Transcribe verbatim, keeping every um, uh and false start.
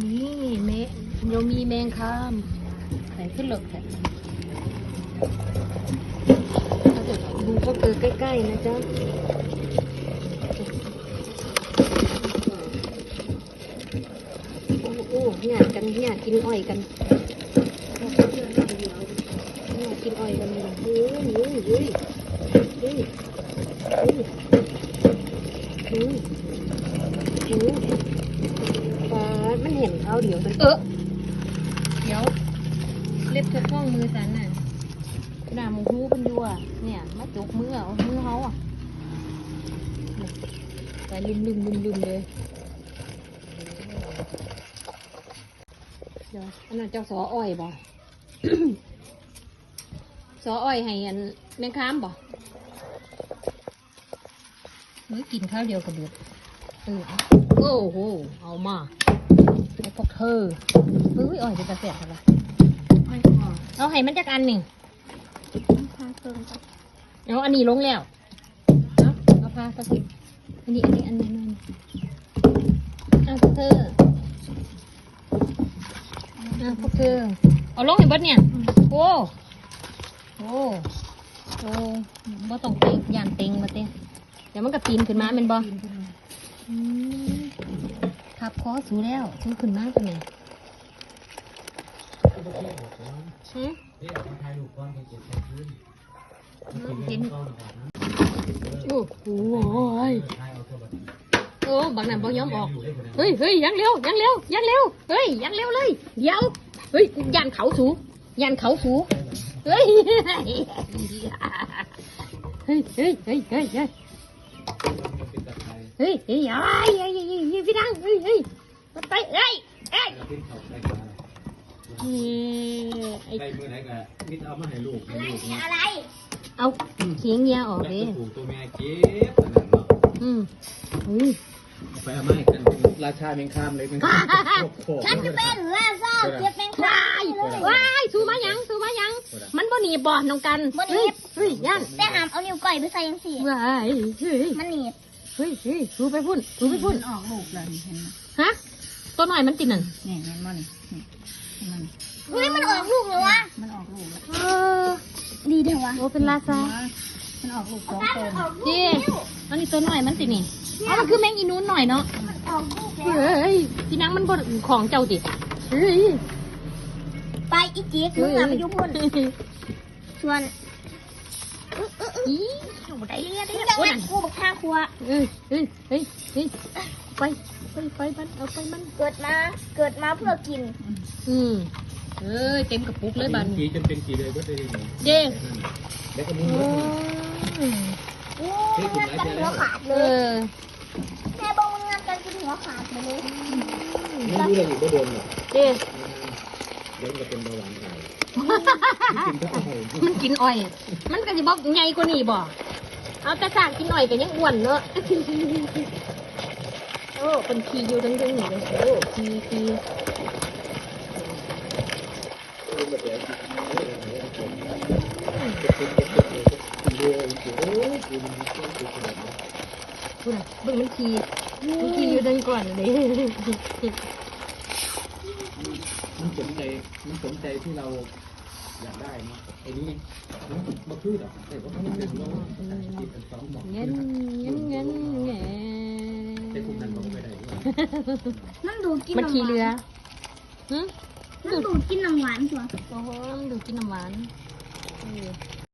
นี่เมเรามีแมงคามใส่ขึ้นหลกแถบเราจะดูก็เกิดใกล้ๆนะจ๊ะโอ้โอ้หยาดกันหยาดกินอ้อยกันหยาดกินอ้อยกันเลยเฮ้ยเฮ้ยเฮ้ยเฮ้ยเฮ้ยเฮ้ยเฮ้ยฟ้ามันเห็นเขาเดี๋ยวมันเออเดี๋ยวเล็บจะคล้องมือสันน่ะหน้ามึงหูเป็นยัวเนี่ยมาจกมือเอามือเขาอ่ะแต่ลืมลืมลืมลืมเลยเดี๋ยวอันนั้นเจ้าสออ้อยบ่ สออ้อยให้อันแมงคามบ่เมื่อกินข้าวเดียวกับเดือดเออโอ้โหเอามาไอ้พวกเธอเฮ้ยอ้อยเป็นกระเสียดอะไรเอาให้มันจักอันหนึ่งเอาอันนี้ลงแล้วเอาเอาพาสักทีอันนี้อันนี้อันนี้อันนี้เอาพวกเธอเอาพวกเธอเอาลงให้เบิดเนี่ยโอ้โอ้โอ้บ่ต้องเต็งยานเต็งมาเต้เดี๋ยวมันก็ปีนขึ้นมาเป็นบ่ทับคอสูแล้วสูขึ้นมาตัวไหนหืมกินโอ้โหโอ้บางนั้นบ่ยอมออกเฮ้ยเฮ้ยยังเร็วยังเร็วยังเร็วเฮ้ยยังเร็วเลยเดี๋ยวเฮ้ยยันเขาสูยันเขาสูเฮ้ยเฮ้ยเฮ้ยเฮ้ยเฮ้ยเฮ้ยเฮ้ยเฮ้ยอะไรเฮ้ยเฮ้ยพี่ดังเฮ้ยเฮ้ยมาไปเฮ้ยเฮ้ยไอ้เมื่อไหร่ก็มิดเอามาให้ลูกให้ลูกอะไรเอาเขียงเงี้ยออกเลยตัวตัวแม่เก็บขนาดเนาะอืมอุ้ยไปเอาไม้กันราชาเมงคามเลยฉันจะเป็นราชาเก็บเมงคามว้ายสู้มายังสู้มายังมันบ่หนีบ่น้องกันบ่หนีเฮ้ยยันแต่หามเอานิ้วก้อยไปใส่ยังสี่ว้ายเฮ้ยมันหนีเฮ้ยเฮ้ยสู้ไปพุ่นสู้ไปพุ่นออกลูกเลยเห็นไหมฮะตัวหน่อยมันติดนั่นนี่เห็นมั้ยนี่มันเฮ้ยมันออกลูกเลยวะมันออกลูกเออดีเด้อวะโอ้เป็นราชามันออกลูกสองตัวเจ๊อันนี้ตัวหน่อยมันติดนี่อ๋อมันคือแมงอีนูนหน่อยเนาะเฮ้ยพี่นังมันบดของเจ้าดิเฮ้ยไปอีเจ๊คือไปยุ่งพุ่นชวนอีอยู่ได้เรียได้ยังไงกูบอกข้าครัวเฮ้ยเฮ้ยเฮ้ยเฮ้ยไปไปไปมันเอาไปมันเกิดมาเกิดมาเพื่อกินอืมเอ้ยเต็มกระปุกเลยบันกีจนเป็นกีเลยก็ได้เจ๊แล้วก็มึงโอ้ยงานกันหัวขาดเลยแม่บอกว่างานกันกินหัวขาดเลยไม่รู้เลยอยู่ก็โดนหรอกเจ๊เดี๋ยวจะเป็นเบาหวานไงมันกินอ้อยมันก็จะบอกไงกว่านี่บ่เอาแต่สากกินอ้อยกันยังอ้วนเนอะโอ้เป็นขี้อยู่ทั้งๆเลยโอ้ขี้ขี้คุณอ่ะเบิ่งมันขี่มันขี่อยู่ดังก่อนเลยมันสนใจมันสนใจที่เราอยากได้เนาะไอ้นี่มันมาพืชอ่ะแต่ว่ามันเป็นเราติดกันสองหมอกเงี้ยเงี้ยเงี้ยเงี้ยแต่คุณนั่นบอกไม่ได้นั่นดูกินมันขี่เรือนั่นดูกินน้ำหวานตัวโอ้โหดูกินน้ำหวาน